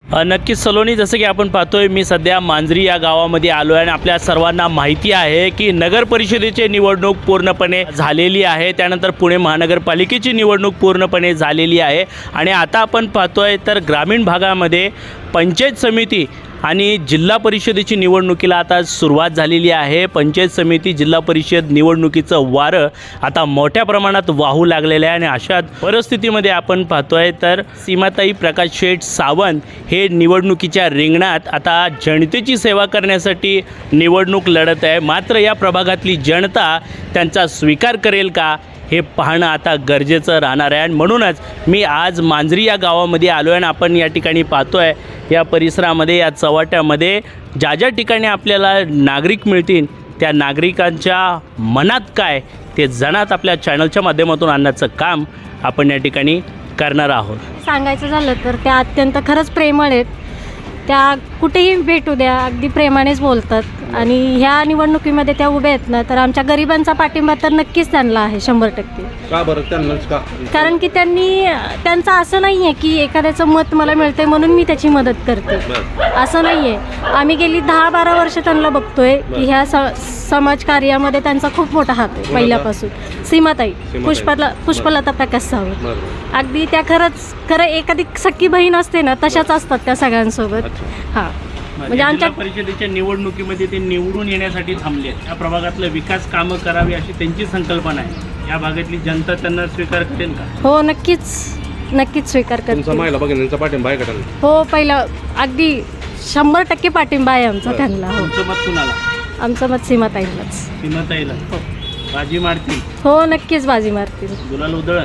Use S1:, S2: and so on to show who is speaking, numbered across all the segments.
S1: नक्कीच सलोनी, जसं की आपण पाहतोय मी सध्या मांजरी या गावामध्ये आलो आहे आणि आपल्या सर्वांना माहिती आहे की नगर परिषदेची निवडणूक पूर्णपणे झालेली आहे, त्यानंतर पुणे महानगरपालिकेची निवडणूक पूर्णपणे झालेली आहे आणि आता आपण पाहतोय तर ग्रामीण भागामध्ये पंचायत समिती आणि जिल्हा परिषदेची निवडणुकीला आता सुरुवात झालेली आहे। पंचायत समिती जिल्हा परिषद निवडणुकीचं वारं आता मोठ्या प्रमाणात वाहू लागलेलं आहे आणि अशा परिस्थितीमध्ये आपण पाहतोय तर सीमाताई प्रकाश शेठ सावंत हे निवडणुकीच्या रिंगणात आता जनतेची सेवा करण्यासाठी निवडणूक लढत आहे। मात्र या प्रभागातली जनता त्यांचा स्वीकार करेल का हे पाहणं आता गरजेचं राहणार आहे आणि म्हणूनच मी आज मांजरी या गावामध्ये आलो आहे आणि आपण या ठिकाणी पाहतोय या परिसरामध्ये या चव्हाट्यामध्ये ज्या ज्या ठिकाणी आपल्याला नागरिक मिळतील त्या नागरिकांच्या मनात काय ते जणात आपल्या चॅनलच्या माध्यमातून आणण्याचं काम आपण या ठिकाणी करणार आहोत।
S2: सांगायचं झालं तर त्या अत्यंत खरंच प्रेमळ आहेत। त्या कुठेही भेटू द्या अगदी प्रेमानेच बोलतात आणि ह्या निवडणुकीमध्ये त्या उभ्या आहेत ना, तर आमच्या गरिबांचा पाठिंबा तर नक्कीच त्यांना आहे 100%।
S3: का बरं त्यांनाच का?
S2: कारण की त्यांचं असं नाही आहे की एखाद्याचं मत मला मिळतंय म्हणून मी त्याची मदत करते, असं नाही आहे। आम्ही गेली 10-12 वर्ष त्यांना बघतोय की ह्या समाजकार्यामध्ये त्यांचा खूप मोठा हात आहे पहिल्यापासून। सीमाताई पुष्पलता प्रकाश सावंत अगदी त्या खरं एखादी सख्खी बहीण असते ना तशाच असतात त्या सगळ्यांसोबत। हां, म्हणजे आमच्या
S1: परिषदेच्या निवडणुकीमध्ये ते निवडून येण्यासाठी थांबले आहेत। या प्रभागातलं विकास कामं करावी अशी त्यांची संकल्पना आहे। या भागातली जनता त्यांना स्वीकार करेल का?
S2: हो, नक्कीच स्वीकार करते।
S3: तुमचा महिला भगिनींचा पाठिंबा आहे का त्यांना?
S2: हो, पहिला अगदी 100% पाठिंबा आहे आमचा त्यांना। हो,
S1: तुमचं मत कुणाला?
S2: आमचं मत सीमाताईलाच।
S1: सीमाताईला? हो। बाजी मारतील?
S2: हो, नक्कीच बाजी मारतील।
S1: गुलाल उधळत?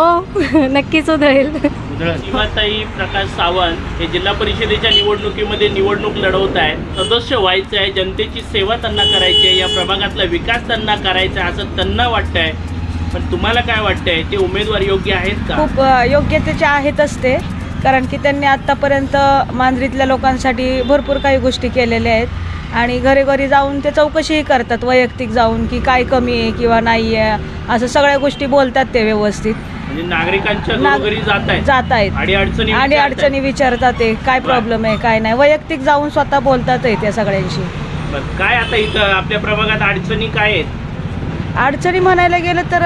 S2: हो, नक्कीच उधळेल।
S1: सीमाताई प्रकाश सावंत हे जिल्हा परिषदेच्या निवडणुकीमध्ये निवडणूक लढवत आहेत। सदस्य व्हायचं आहे, जनतेची सेवा त्यांना करायची आहे, या प्रभागातला विकास त्यांना करायचा आहे असं त्यांना वाटतंय। पण तुम्हाला काय वाटतंय, ते उमेदवार योग्य आहेत का?
S4: खूप योग्यतेचे आहेतच ते, कारण की त्यांनी आत्तापर्यंत मांजरीतल्या लोकांसाठी भरपूर काही गोष्टी केलेल्या आहेत आणि घरी जाऊन ते चौकशीही करतात, वैयक्तिक जाऊन की काय कमी आहे किंवा नाही आहे असं सगळ्या गोष्टी बोलतात ते व्यवस्थित।
S1: म्हणजे नागरिकांच्या घरोघरी
S4: जात आहेत आणि अडचणी विचारतात, ते काय प्रॉब्लेम आहे काय नाही, वैयक्तिक जाऊन स्वतः बोलतात त्या सगळ्यांशी।
S1: काय आता इथं आपल्या प्रभागात अडचणी काय आहेत?
S4: अडचणी म्हणायला गेलं तर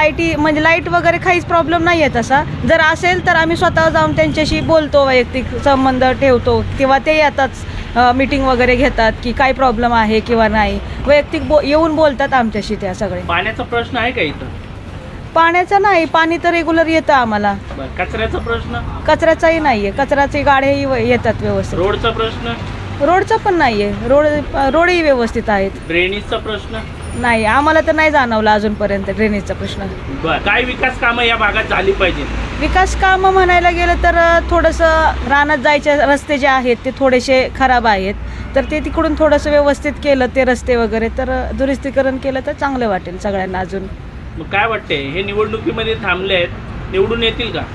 S4: लाईट वगैरे काहीच प्रॉब्लेम नाही आहे तसा। जर असेल तर आम्ही स्वतः जाऊन त्यांच्याशी बोलतो, वैयक्तिक संबंध ठेवतो किंवा ते येतात मीटिंग वगैरे घेतात की काय प्रॉब्लेम आहे किंवा नाही, वैयक्तिक येऊन बोलतात आमच्याशी त्या सगळे।
S1: पाण्याचा प्रश्न आहे का इथं?
S4: पाण्याचा नाही, पाणी तर रेग्युलर येतं आम्हाला।
S1: कचऱ्याचा प्रश्न?
S4: कचऱ्याचाही नाहीये, कचऱ्याचे गाड्याही येतात व्यवस्थित।
S1: रोडचा प्रश्न?
S4: रोडचा पण नाहीये, रोडही व्यवस्थित आहेत।
S1: ड्रेनेजचा प्रश्न?
S4: नाही, आम्हाला तर नाही जाणवला अजूनपर्यंत ड्रेनेजचा प्रश्न।
S1: काय विकास कामं या भागात झाली पाहिजे?
S4: विकास कामं म्हणायला गेलं तर थोडंसं रानात जायचे रस्ते जे आहेत ते थोडेसे खराब आहेत, तर ते तिकडून थोडंसं व्यवस्थित केलं ते रस्ते वगैरे, तर दुरुस्तीकरण केलं तर चांगलं वाटेल सगळ्यांना अजून।
S1: मग काय वाटते, हे निवडणुकीमध्ये थांबले आहेत, निवडून येतील का?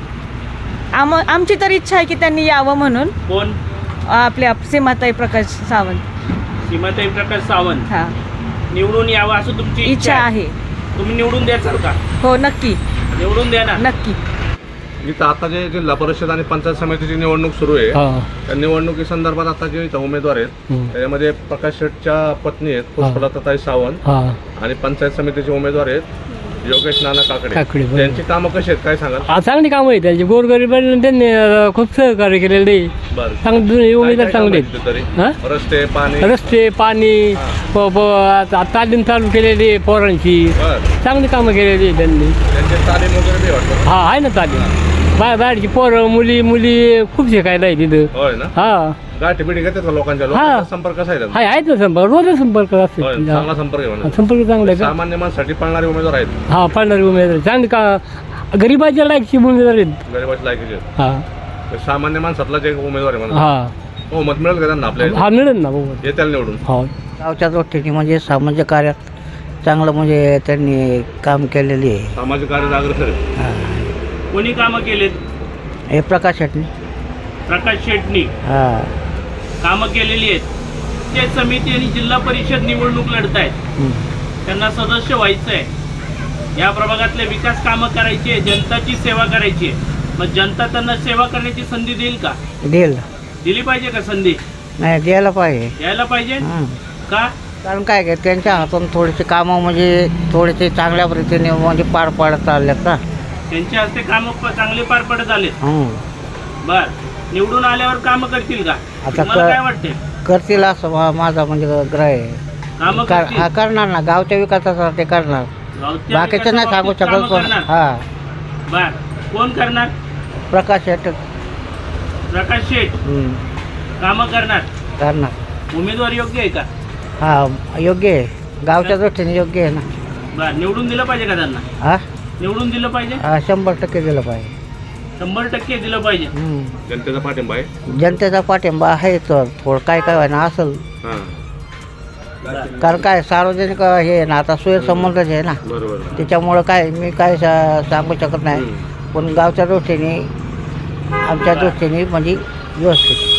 S4: आमची तर इच्छा आहे की त्यांनी यावं म्हणून।
S1: कोण?
S4: आपल्या सीमाताई प्रकाश सावंत।
S1: सीमाताई प्रकाश सावंत
S4: हां,
S1: निवडून यावं असं तुमची
S4: इच्छा आहे।
S1: तुम्ही निवडून द्याल का?
S4: हो, नक्की
S1: निवडून द्या ना।
S4: नक्की।
S3: इथं आता जे जिल्हा परिषद आणि पंचायत समितीची निवडणूक सुरू आहे, त्या निवडणुकी संदर्भात आता जे इथं उमेदवार आहेत त्याच्यामध्ये प्रकाश शेठच्या पत्नी आहेत पुष्पलताताई सावंत आणि पंचायत समितीचे उमेदवार आहेत योगेश नाना काकडे। त्यांची कामं कशी आहेत काय सांगाल?
S5: चांगली कामं आहेत त्यांची, गोरगरिबांना त्यांनी खूप सहकार्य केलेलं आहे। चांगले उमेदवार चांगले आहेत। रस्ते पाणी तालीम चालू केलेली आहे पोरांची, चांगली कामं केलेली आहे त्यांनी।
S3: तालीम वगैरे वाटतं?
S5: हा, आहे ना तालीम, बाहेरची पोरं मुली खूप शिकायला आहे तिथं।
S3: होय ना?
S5: हा,
S3: गाठी बिठी घेतात का लोकांच्या संपर्क कसा आहे?
S5: आहेत ना संपर्क, रोज संपर्क असतो,
S3: चांगला संपर्क आहे,
S5: संपर्क चांगला आहे।
S3: सामान्य माणसासाठी पळणारे उमेदवार आहेत?
S5: हा, पळणारे उमेदवार चांगली का गरीबाच्या लायकची उमेदवार आहेत।
S3: गरीबाची लायकीचे?
S5: हा,
S3: सामान्य माणसातला जे उमेदवार आहे म्हणा,
S5: हा,
S3: हो, मत मिळेल का त्यांना आपल्याला?
S5: हा, मिळेल ना बाबा,
S3: येत्याला निवडून।
S5: हो,
S6: गावच्या दृष्टीने म्हणजे सामाजिक कार्यात चांगलं म्हणजे त्यांनी काम केलेली आहे।
S3: सामाजिक कार्य अग्रेसर आहे।
S1: कोणी कामं केलेत?
S6: हे प्रकाश शेट्टी।
S1: प्रकाश शेट्टी कामं केलेली आहेत। पंचायत समिती आणि जिल्हा परिषद निवडणूक लढतायत, त्यांना सदस्य व्हायचं आहे, या प्रभागातले विकास कामं करायची आहे, जनताची सेवा करायची आहे। मग जनता त्यांना सेवा करण्याची संधी देईल का?
S6: देईल।
S1: दिली पाहिजे का संधी?
S6: नाही द्यायला पाहिजे.
S1: यायला पाहिजे
S6: हं.
S1: का?
S6: कारण काय काय त्यांच्या हातून थोडीशी कामं म्हणजे थोडेसे चांगल्या रीतीने म्हणजे पार पाडत चालल्यात ना.
S1: त्यांच्या हस्ते काम चांगले पार पडत आले.
S6: हं.
S1: बर, निवडून आल्यावर काम करतील का?
S6: आता
S1: तुम्हाला काय वाटते?
S6: करतील असं माझा म्हणजे ग्रह आहे.
S1: काम
S6: हा करणार ना, गावच्या विकासासाठी करणार. बाकीचं नाही सांगू शकत पण. हा,
S1: बर, कोण करणार?
S6: प्रकाश शेट
S1: प्रकाश शेठ काम करणार.
S6: करणार.
S1: उमेदवार योग्य आहे का?
S6: हा, योग्य आहे. गावच्या दृष्टीने योग्य आहे ना.
S1: बर, निवडून दिलं पाहिजे का त्यांना?
S6: हा,
S1: निवडून दिलं पाहिजे.
S6: 100% दिलं पाहिजे.
S1: 100% दिलं पाहिजे.
S3: जनतेचा पाठिंबा आहे.
S6: जनतेचा पाठिंबा आहे तर थोडं काय काय व्हायना असेल.
S3: हां,
S6: कारण काय सार्वजनिक हे आहे ना, आता सुसंबंधच आहे ना.
S3: बरोबर.
S6: त्याच्यामुळं काय मी काय सांगू शकत नाही. पण गावच्या दृष्टीने आमच्या दृष्टीने म्हणजे व्यवस्थित.